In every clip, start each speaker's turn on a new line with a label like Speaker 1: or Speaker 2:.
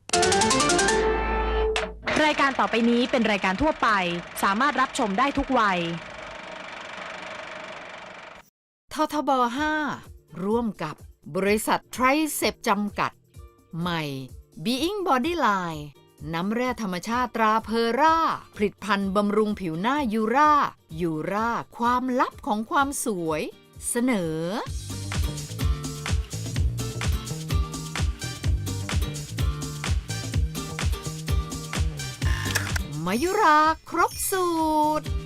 Speaker 1: รายการต่อไปนี้เป็นรายการทั่วไปสามารถรับชมได้ทุกวัย
Speaker 2: ททบ 5 ร่วมกับบริษัทไทรเซปจำกัด ใหม่ Being Bodyline น้ำแร่ธรรมชาติตราเพอร่า ผลิตภัณฑ์บำรุงผิวหน้ายูราความลับของความสวย เสนอมายุราครบสูตร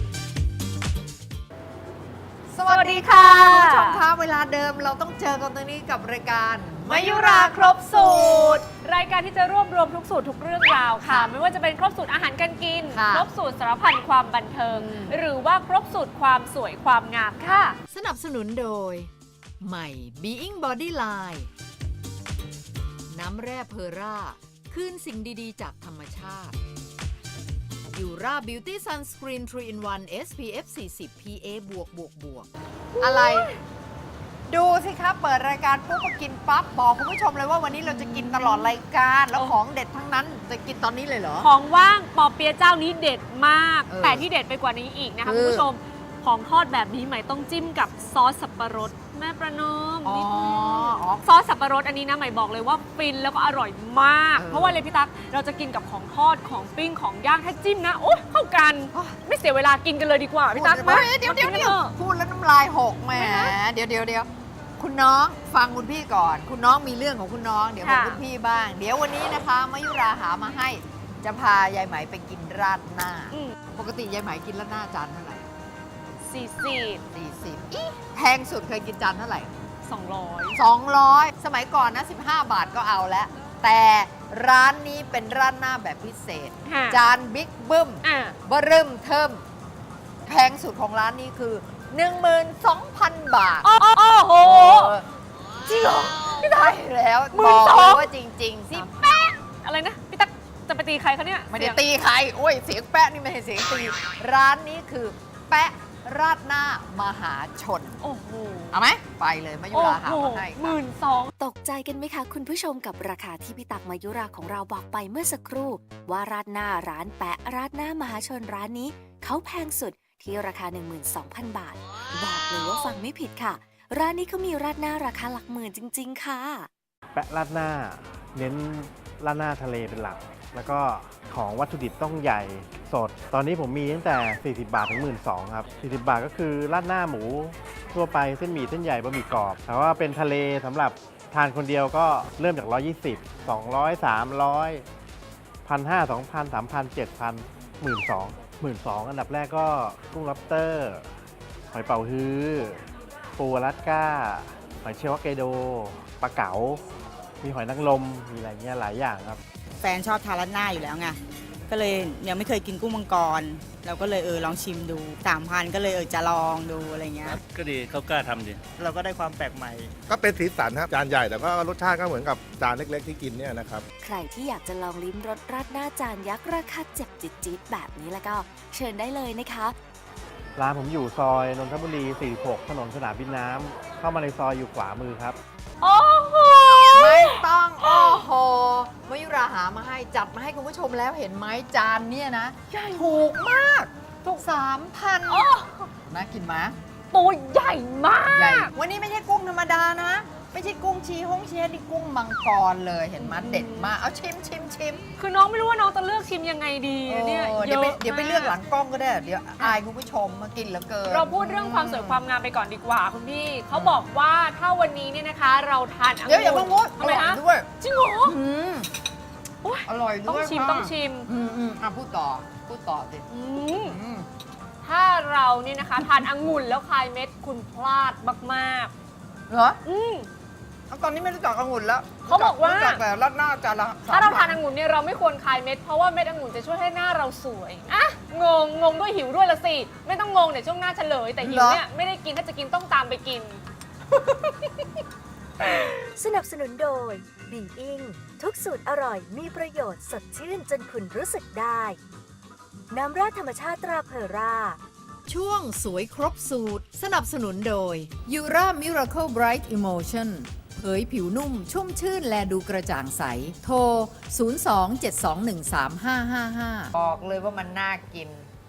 Speaker 3: สวัสดีค่ะคุณผู้ชมคะเวลาเดิมเราต้องเจอกันตรงนี้กับรายการ
Speaker 4: มายุราครบสูตรรายการที่จะรวบรวมทุกสูตรทุกเรื่องราวค่ะไม่ว่าจะเป็นครบสูตรอาหารการกินครบสูตรสารพันความบันเทิงหรือว่าครบสูตรความสวยความงามค่ะ
Speaker 2: สนับสนุนโดยใหม่ Being Bodyline น้ำแร่เพอร่าคืนสิ่งดีๆจากธรรมชาติยูราบิวตี้ซันสกรีน 3 in 1 SPF 40 PA บวก
Speaker 3: อะไรดูสิครับเปิดรายการปุ๊บก็กินปั๊บบอกคุณผู้ชมเลยว่าวันนี้เราจะกินตลอดรายการแล้วของเด็ดทั้งนั้นจะกินตอนนี้เลยเหรอ
Speaker 4: ของว่างปอเปี๊ยะเจ้านี้เด็ดมากแต่ที่เด็ดไปกว่านี้อีกนะคะคุณผู้ชมของทอดแบบนี้ใหม่ต้องจิ้มกับซอสสับปะรดแม่ประนอมนิดนึงซอสสับปะรดอันนี้นะใหม่บอกเลยว่าฟินแล้วก็อร่อยมากเพราะว่าเลยพี่ตั๊กเราจะกินกับของทอดของปิ้งของย่างถ้าจิ้มนะโอ้เข้ากันไม่เสียเวลากินกันเลยดีกว่าพี่ตั๊กมา
Speaker 3: เดี๋ยวพูดแล้วน้ำลายหกแหมเดี๋ยวคุณน้องฟังคุณพี่ก่อนคุณน้องมีเรื่องของคุณน้องเดี๋ยวของคุณพี่บ้างเดี๋ยววันนี้นะคะมายุราหามาให้จะพายายไหมไปกินราดหน้าปกติยายไหมกินราดหน้าจานเท่าไหร่40แพงสุดเคยกินจานเท่าไหร่200สมัยก่อนนะ15 บาทก็เอาแล้วแต่ร้านนี้เป็นร้านหน้าแบบพิเศษจานบิ๊กบึ้มเบิ่มเทิมแพงสุดของร้านนี้คือ 12,000 บาท
Speaker 4: โอ้โห
Speaker 3: จริงเหรอไม่ได้แล้วบอกเลยว่าจริงๆสิ
Speaker 4: แป๊ะอะไรนะพี่ตั๊กจะไปตีใครคะเนี่ย
Speaker 3: ไม่ได้ตีใครโอ้ยเสียงแป๊ะนี่ไม่ใช่เสียงตีร้านนี้คือแป๊ะราดหน้ามหาชน
Speaker 4: โอ้โห
Speaker 3: เอาไหมไปเลยมายุราหามาให้
Speaker 1: ตกใจกันไหมคะคุณผู้ชมกับราคาที่พี่ตักมายุราของเราบอกไปเมื่อสักครู่ว่าราดหน้าร้านแปะราดหน้ามหาชนร้านนี้เขาแพงสุดที่ราคา 12,000 บาทบอกเลยว่าฟังไม่ผิดค่ะร้านนี้เขามีราดหน้าราคาหลักหมื่นจริงๆค่ะ
Speaker 5: แปะราดหน้าเน้นราดหน้าทะเลเป็นหลักแล้วก็ของวัตถุดิบต้องใหญ่สดตอนนี้ผมมีตั้งแต่40 บาทถึง 12,000 ครับ40 บาทก็คือราดหน้าหมูทั่วไปเส้นหมี่เส้นใหญ่บะหมี่กรอบแต่ว่าเป็นทะเลสำหรับทานคนเดียวก็เริ่มจาก120 200 300 1,500 2,000 3,000 7,000 12,000 อันดับแรกก็กุ้งล็อบสเตอร์หอยเป๋าฮื้อปูอลาสก้าหอยเชลล์ฮอกไกโดปลาเก๋ามีหอยนางรมมีอะไรเงี้ยหลายอย่างครับ
Speaker 6: แฟนชอบทานราดหน้าอยู่แล้วไงก็เลยยังไม่เคยกินกุ้งมังกรเราก็เลยลองชิมดู 3,000 ก็เลยจะลองดูอะไรเงี้ย
Speaker 7: ก็ดีเขากล้าทำดี
Speaker 6: เราก็ได้ความแปลกใหม่
Speaker 8: ก็เป็นสีสันครับจานใหญ่แต่ก็รสชาติก็เหมือนกับจานเล็กๆที่กินเนี่ยนะครับ
Speaker 1: ใครที่อยากจะลองลิ้มรสราดหน้าจานยักษ์ราคาเจ็บจี๊ดๆแบบนี้แล้วก็เชิญได้เลยนะคะ
Speaker 5: ร้านผมอยู่ซอยนนทบุรี46ถนนสนามบินน้ำเข้ามาในซอยอยู่ขวามือครับ
Speaker 4: โอ้โห
Speaker 3: ไม่ต้องโอ้โหมายุราหามาให้จัดมาให้คุณผู้ชมแล้วเห็นไหมจานเนี่ยนะถูกมากถูก 3,000น่ากินไหม
Speaker 4: ตัวใหญ่มาก
Speaker 3: วันนี้ไม่ใช่กุ้งธรรมดานะไม่ใช่กุ้งชีฮงเชียนี่กุ้งมังกรเลยเห็นไหมเด็ดมากเอาชิม
Speaker 4: คือน้องไม่รู้ว่าน้องจะเลือกชิมยังไงดีเนี่ย
Speaker 3: เดี๋ยวไปเลือกหลังกล้องก็ได้เดี๋ยวอายคุณผู้ชมมากินแล้วเกิน
Speaker 4: เราพูดเรื่องความสวยความงามไปก่อนดีกว่าคุณพี่เขาบอกว่าถ้าวันนี้เนี่ยนะคะเราทาน
Speaker 3: เดี๋ยวอย่าเพิ่งพูดอร่อยด้วย
Speaker 4: จริงเหรอ
Speaker 3: อร่อยด้วย
Speaker 4: ต้องชิม
Speaker 3: พูดต่อสิ
Speaker 4: ถ้าเราเนี่ยนะคะทานองุ่นแล้วคายเม็ดคุณพลาดมาก
Speaker 3: ๆเหรอตอนนี้ไม่รู้จักองุ่นแล้ว
Speaker 4: เขาบอกว่า
Speaker 3: แต่ราดหน้าจานละ
Speaker 4: ถ้าเราทานองุ่นเนี่ยเราไม่ควรคายเม็ดเพราะว่าเม็ดองุ่นจะช่วยให้หน้าเราสวยอ่ะงงด้วยหิวด้วยละสิไม่ต้องงงเดี๋ยวช่วงหน้าเฉลยแต่หิวเนี่ยไม่ได้กินถ้าจะกินต้องตามไปกิน
Speaker 1: สนับสนุนโดยบิงอิงทุกสูตรอร่อยมีประโยชน์สดชื่นจนคุณรู้สึกได้น้ำราดธรรมชาติตราเพอร่า
Speaker 2: ช่วงสวยครบสูตรสนับสนุนโดย Ura Miracle Bright Emotion เผยผิวนุ่มชุ่มชื่นและดูกระจ่างใส โทร 02-721-3555
Speaker 3: บอกเลยว่ามันน่ากิน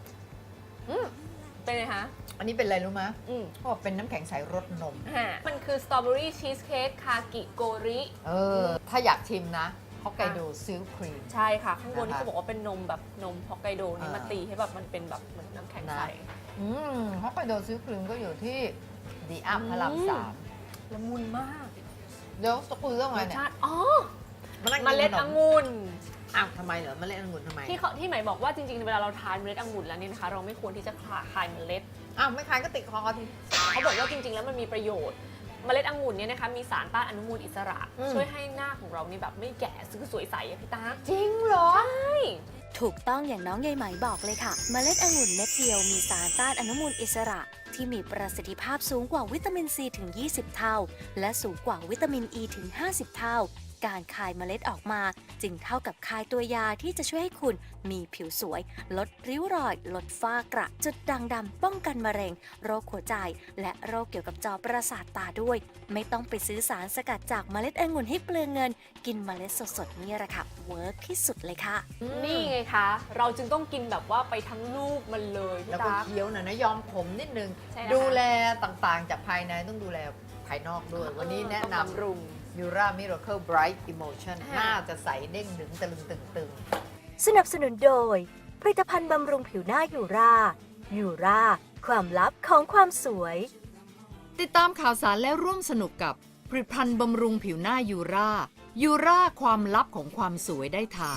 Speaker 4: เป็นไงคะ
Speaker 3: อันนี้เป็นอะไรรู้ไหม
Speaker 4: อืม
Speaker 3: เขาบอกเป็นน้ำแข็งใสรสนม
Speaker 4: มันคือสตรอเบอรี่ชีสเค้กคากิโกริ
Speaker 3: ถ้าอยากชิมนะฮอกไกโดซิลครีม
Speaker 4: ใช่ค่ะ ข้างบนนี่
Speaker 3: นะคะ
Speaker 4: เขาบอกว่าเป็นนมแบบนมฮอกไกโดนี่มาตีให้แบบมันเป็นแบบเหมือนน้ำแข็งใส
Speaker 3: ฮอกไกโดซิลครีมก็อยู่ที่ดีอัพพระรามสาม
Speaker 4: ละมุนมาก
Speaker 3: เดี๋ยวจะคุยเรื่องอะไร
Speaker 4: รส
Speaker 3: เนี่ย
Speaker 4: ชาติอ๋อ
Speaker 3: มานั่ง
Speaker 4: เม
Speaker 3: กิน
Speaker 4: ล็ด
Speaker 3: ขน
Speaker 4: องุ่น
Speaker 3: อ้าวทำไมเหรอเมล็ดองุ่นทำไม
Speaker 4: ที่หมายบอกว่าจริงๆ เวลาเราทานเมล็ดองุ่นแล้วเนี่ยนะคะ เราไม่ควรที่จะคายเมล็ด
Speaker 3: อ้าวไม่คายก็ติดคอที
Speaker 4: เขาบอกว่าจริงๆ แล้วมันมีประโยชน์ เมล็ดองุ่นเนี่ยนะคะมีสารต้านอนุมูลอิสระ ช่วยให้หน้าของเรานี่แบบไม่แก่ซึ่งสวยใสอะพี่ตา
Speaker 3: จริงเหรอ
Speaker 1: ถูกต้องอย่างน้องใยไหมบอกเลยค่ะ เมล็ดองุ่นเม็ดเดียวมีสารต้านอนุมูลอิสระ ที่มีประสิทธิภาพสูงกว่าวิตามินซีถึง 20 เท่า และสูงกว่าวิตามินอ e ีถึง 50 เท่า การคายเมล็ดออกมา จึงเท่ากับคายตัวยาที่จะช่วยให้คุณมีผิวสวย ลดริ้วรอย ลดฝ้ากระจุดด่างดำป้องกันมะเร็ง โรคหัวใจ และโรคเกี่ยวกับจอประสาทตาด้วย ไม่ต้องไปซื้อสารสกัดจากเมล็ดองุ่นให้เปลืองเงิน กินเมล็ดสดๆนี่แหละค่ะเวิร์กที่สุดเลยค่ะ
Speaker 4: นี่ไงคะ เราจึงต้องกินแบบว่าไปทั้งลูกมันเลยพี่
Speaker 3: แล้วก็
Speaker 4: ตา
Speaker 3: เคี้ยวหน่อยนะยอมขมนิดนึง
Speaker 4: ใช่นะคะ
Speaker 3: ดูแลต่างๆ จากภายในต้องดูแลภายนอกด้วย วันนี้แนะ
Speaker 4: ต้อง
Speaker 3: น
Speaker 4: บำรุง
Speaker 3: ำ Yura Miracle Bright Emotion
Speaker 4: ค่ะ
Speaker 3: น่าจะใสเด้งดึงตะลึงตึง
Speaker 1: สนับสนุนโดย ผลิตภัณฑ์บำรุงผิวหน้ายูรายูราความลับของความสวย
Speaker 2: ติดตามข่าวสารและร่วมสนุกกับผลิตภัณฑ์บำรุงผิวหน้ายูราความลับของความสวยได้ทาง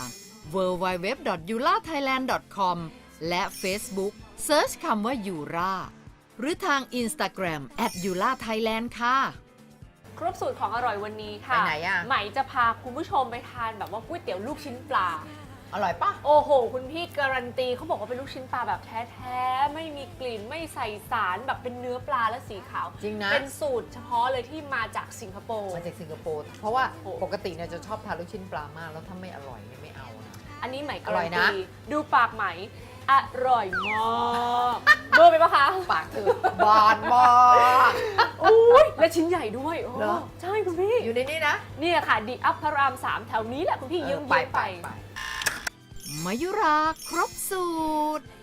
Speaker 2: www.yurathailand.com และ Facebook Search คำว่ายูราหรือทาง Instagram @yurathailand ค่ะ
Speaker 4: ครบสูตรของอร่อยวันนี้ค่ะ
Speaker 3: ไปไหนอะ
Speaker 4: ไหมจะพาคุณผู้ชมไปทานแบบว่าก๋วยเตี๋ยวลูกชิ้นปลา
Speaker 3: ๆ อร่อยปะ
Speaker 4: โอ้โห คุณพี่การันตีเขาบอกว่าเป็นลูกชิ้นปลาแบบแท้ๆ ไม่มีกลิ่นไม่ใส่สารแบบเป็นเนื้อปลาและสีขาว
Speaker 3: จริงนะ
Speaker 4: เป็นสูตรเฉพาะเลยที่มาจากสิงคโปร์
Speaker 3: มาจากสิงคโปร์เพราะว่า
Speaker 4: โอ้โห
Speaker 3: ปกติเนี่ยจะชอบทานลูกชิ้นปลามาก แล้วถ้าไม่อร่อยเนี่ยไม่เอานะ
Speaker 4: อันนี้ไหม
Speaker 3: อ
Speaker 4: การั
Speaker 3: ร่อย
Speaker 4: น
Speaker 3: นะ
Speaker 4: ตีดูปากไหมอร่อยมากเบอร์ไปปะคะ
Speaker 3: ปากเธอบานมาก
Speaker 4: อุ้ยและชิ้นใหญ่ด้วยโอ้
Speaker 3: เหรอ
Speaker 4: ใช่คุณพี่
Speaker 3: อยู่ในนี้นะ
Speaker 4: เนี่ยค่ะดีอัพพระราม 3 แถวนี้แหละคุณพี่เยื้องๆไป
Speaker 2: มายุราครบสูตร